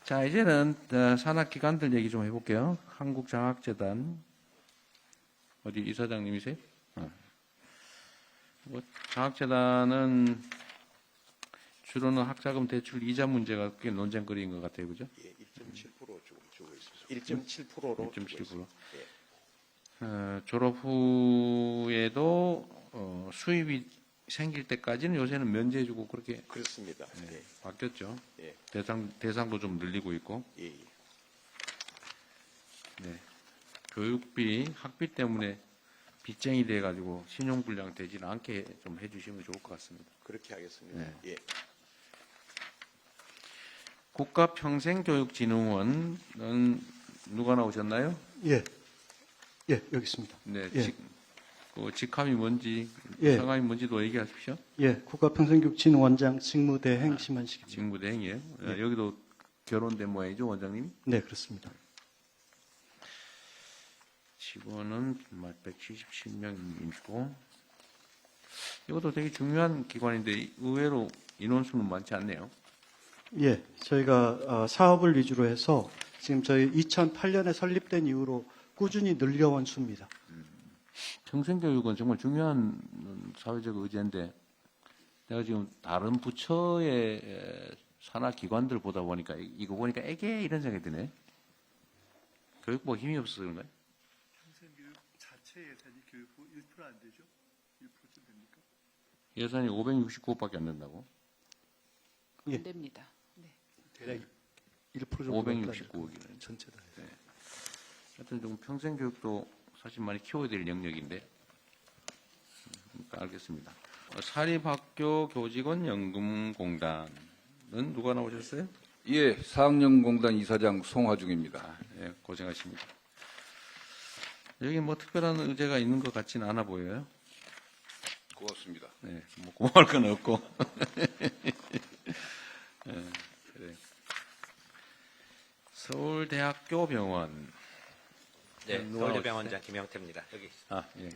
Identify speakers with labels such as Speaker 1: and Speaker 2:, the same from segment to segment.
Speaker 1: 자, 이제는 산학기관들 얘기 좀 해볼게요. 한국장학재단. 어디 이사장님이세요? 장학재단은 주로는 학자금 대출 이자 문제가 꽤 논쟁거리인 것 같아요. 그죠?
Speaker 2: 예, 1.7% 주고 있습니다. 1.7%로
Speaker 1: 1.7%.
Speaker 2: 예.
Speaker 1: 졸업 후에도 수입이 생길 때까지는 요새는 면제해주고 그렇게
Speaker 2: 그렇습니다. 예.
Speaker 1: 바뀌었죠.
Speaker 2: 예.
Speaker 1: 대상도 좀 늘리고 있고.
Speaker 2: 예.
Speaker 1: 네. 교육비, 학비 때문에 빚쟁이 돼가지고 신용불량 되지는 않게 좀 해주시면 좋을 것 같습니다.
Speaker 2: 그렇게 하겠습니다.
Speaker 1: 네.
Speaker 2: 예.
Speaker 1: 국가평생교육진흥원은 누가 나오셨나요?
Speaker 3: 예, 예, 여기 있습니다.
Speaker 1: 네.
Speaker 3: 예.
Speaker 1: 직함이 뭔지,
Speaker 3: 예.
Speaker 1: 성함이 뭔지도 얘기하십시오.
Speaker 3: 예, 국가평생교육진흥원장 직무대행 심한식입니다.
Speaker 1: 직무대행이에요.
Speaker 3: 예.
Speaker 1: 여기도 결혼된 모양이죠, 원장님?
Speaker 3: 네, 그렇습니다.
Speaker 1: 직원은 177명이고, 이것도 되게 중요한 기관인데 의외로 인원수는 많지 않네요.
Speaker 3: 예, 저희가 사업을 위주로 해서 지금 저희 2008년에 설립된 이후로 꾸준히 늘려온 수입니다.
Speaker 1: 평생교육은 정말 중요한 사회적 의제인데 내가 지금 다른 부처의 산하기관들 보다 보니까 이거 보니까 애게 이런 생각이 드네. 교육부가 힘이 없어서 그런가요?
Speaker 4: 평생교육 자체 예산이 교육부 1% 안 되죠? 1%쯤 됩니까?
Speaker 1: 예산이 569억밖에 안 된다고?
Speaker 3: 예.
Speaker 5: 안 됩니다. 네.
Speaker 3: 대략 1% 정도
Speaker 1: 569억이네.
Speaker 3: 전체 다.
Speaker 1: 하여튼 좀 평생교육도 사실 많이 키워야 될 영역인데 알겠습니다. 사립학교 교직원 연금공단은 누가 나오셨어요?
Speaker 6: 예, 사학연공단 이사장 송화중입니다.
Speaker 1: 예, 고생하십니다. 여기 뭐 특별한 의제가 있는 것 같지는 않아 보여요.
Speaker 6: 고맙습니다.
Speaker 1: 네, 뭐 고마울 건 없고. 예, 그래. 서울대학교 병원.
Speaker 7: 네,
Speaker 1: 누가
Speaker 7: 서울대병원장 김영태입니다. 여기 있습니다.
Speaker 1: 예.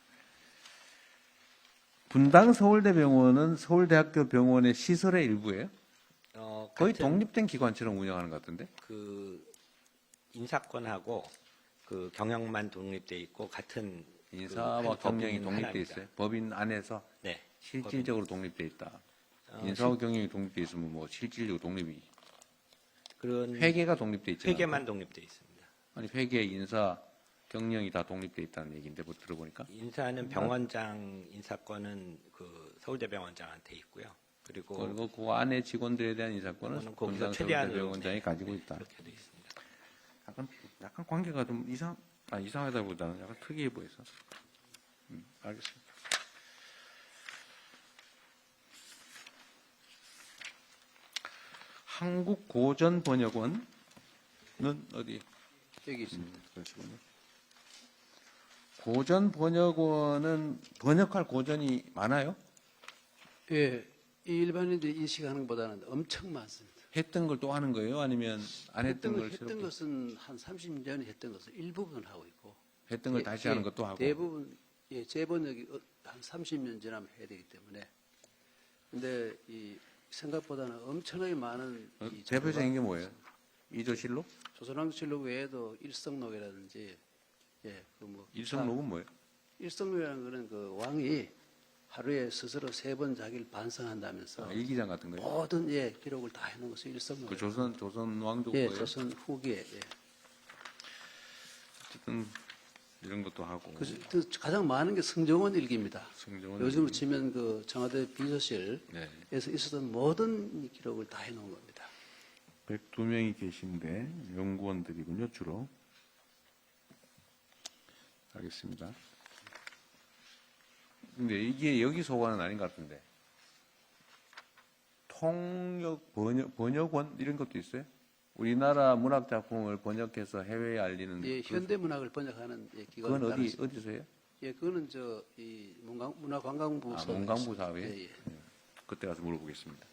Speaker 1: 분당 서울대병원은 서울대학교 병원의 시설의 일부예요? 거의
Speaker 7: 같은
Speaker 1: 독립된 기관처럼 운영하는 것 같은데?
Speaker 7: 그 인사권하고 그 경영만 독립돼 있고 같은
Speaker 1: 인사와
Speaker 7: 그
Speaker 1: 경영이
Speaker 7: 법인
Speaker 1: 독립돼
Speaker 7: 하나입니다.
Speaker 1: 있어요. 법인 안에서
Speaker 7: 네,
Speaker 1: 실질적으로 독립돼 있다.
Speaker 7: 어,
Speaker 1: 인사와 경영이 독립돼 있으면 뭐 실질적으로 독립이.
Speaker 7: 그런
Speaker 1: 회계가 독립돼 있잖아요.
Speaker 7: 회계만 독립돼 있습니다.
Speaker 1: 아니 회계, 인사, 경영이 다 독립돼 있다는 얘기인데 뭐 들어보니까.
Speaker 7: 인사는 병원장 인사권은 그 서울대병원장한테 있고요. 그리고
Speaker 1: 그리고 그 안에 직원들에 대한 인사권은
Speaker 7: 그거는 거기서
Speaker 1: 분당
Speaker 7: 최대한으로
Speaker 1: 서울대병원장이
Speaker 7: 네,
Speaker 1: 가지고
Speaker 7: 네,
Speaker 1: 있다.
Speaker 7: 그렇게 돼 있습니다.
Speaker 1: 약간 관계가 좀 이상하다보다는 약간 특이해 보여서. 알겠습니다. 한국고전번역원은 어디?
Speaker 3: 여기 있습니다.
Speaker 1: 그러시군요. 고전번역원은 번역할 고전이 많아요?
Speaker 8: 예, 일반인들이 인식하는 것보다는 엄청 많습니다.
Speaker 1: 했던 걸 또 하는 거예요? 아니면 안 했던 걸
Speaker 8: 했던
Speaker 1: 새롭게
Speaker 8: 것은 한 30년에 했던 것을 일부분 하고 있고
Speaker 1: 했던 걸 다시 하는 것도 하고
Speaker 8: 대부분 재번역이 한 30년 지나면 해야 되기 때문에 근데 이 생각보다는 엄청나게 많은 이
Speaker 1: 대표적인 게 뭐예요? 이조실록?
Speaker 8: 조선왕실록 외에도 일성록이라든지 그뭐
Speaker 1: 일성록은 뭐예요?
Speaker 8: 일성록이라는 거는 그 왕이 하루에 스스로 3번 자기를 반성한다면서
Speaker 1: 일기장 같은 거예요?
Speaker 8: 모든 기록을 다 해놓은 것을 일성록.
Speaker 1: 그 조선 왕조
Speaker 8: 예,
Speaker 1: 거예요?
Speaker 8: 조선 후기에.
Speaker 1: 어쨌든 이런 것도 하고
Speaker 8: 그 가장 많은 게 승정원 일기입니다.
Speaker 1: 승정원
Speaker 8: 요즘으로
Speaker 1: 일기.
Speaker 8: 치면 그 청와대 비서실에서
Speaker 1: 네.
Speaker 8: 있었던 모든 이 기록을 다 해놓은 겁니다.
Speaker 1: 102명이 계신데 연구원들이군요, 주로. 알겠습니다. 근데 이게 여기 소관은 아닌 것 같은데. 통역, 번역원 이런 것도 있어요? 우리나라 문학 작품을 번역해서 해외에 알리는.
Speaker 8: 예,
Speaker 1: 그-
Speaker 8: 현대 문학을 번역하는 기관이
Speaker 1: 그건
Speaker 8: 따로 있습니다.
Speaker 1: 어디서 해요?
Speaker 8: 예, 그거는 이 문화관광부
Speaker 1: 문광부 사회?
Speaker 8: 예, 예.
Speaker 1: 그때 가서 물어보겠습니다.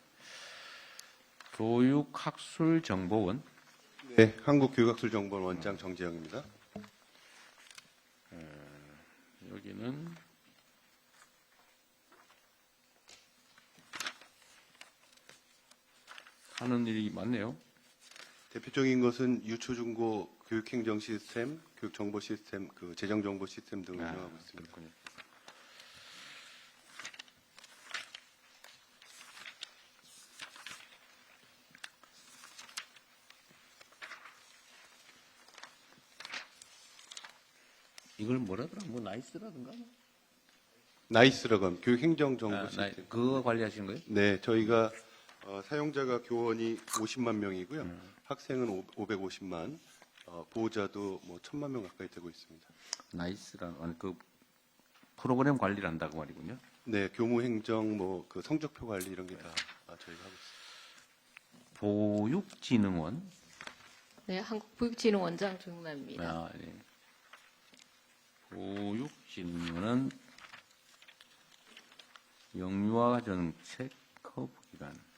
Speaker 1: 교육학술정보원.
Speaker 2: 네, 한국교육학술정보원 원장 정재영입니다.
Speaker 1: 여기는 하는 일이 많네요.
Speaker 5: 대표적인 것은 유초중고 교육행정 시스템, 교육정보 시스템, 그 재정정보 시스템 등을 운영하고 있습니다.
Speaker 1: 그렇군요. 이걸 뭐라더라? 뭐 나이스라든가?
Speaker 5: 나이스라고 합니다. 교육행정정보
Speaker 1: 아,
Speaker 5: 시스템.
Speaker 1: 그거 관리하시는 거예요?
Speaker 5: 네, 저희가 사용자가 교원이 50만 명이고요. 학생은 550만, 보호자도 뭐 1,000만 명 가까이 되고 있습니다.
Speaker 1: 나이스라는 그 프로그램 관리를 한다고 말이군요.
Speaker 5: 네, 교무행정, 뭐 그 성적표 관리 이런 게 다 저희가 하고 있습니다.
Speaker 1: 보육진흥원.
Speaker 9: 네, 한국보육진흥원장 조용남입니다.
Speaker 1: 아, 네. 보육진흥원은 영유아 정책 커브 기관.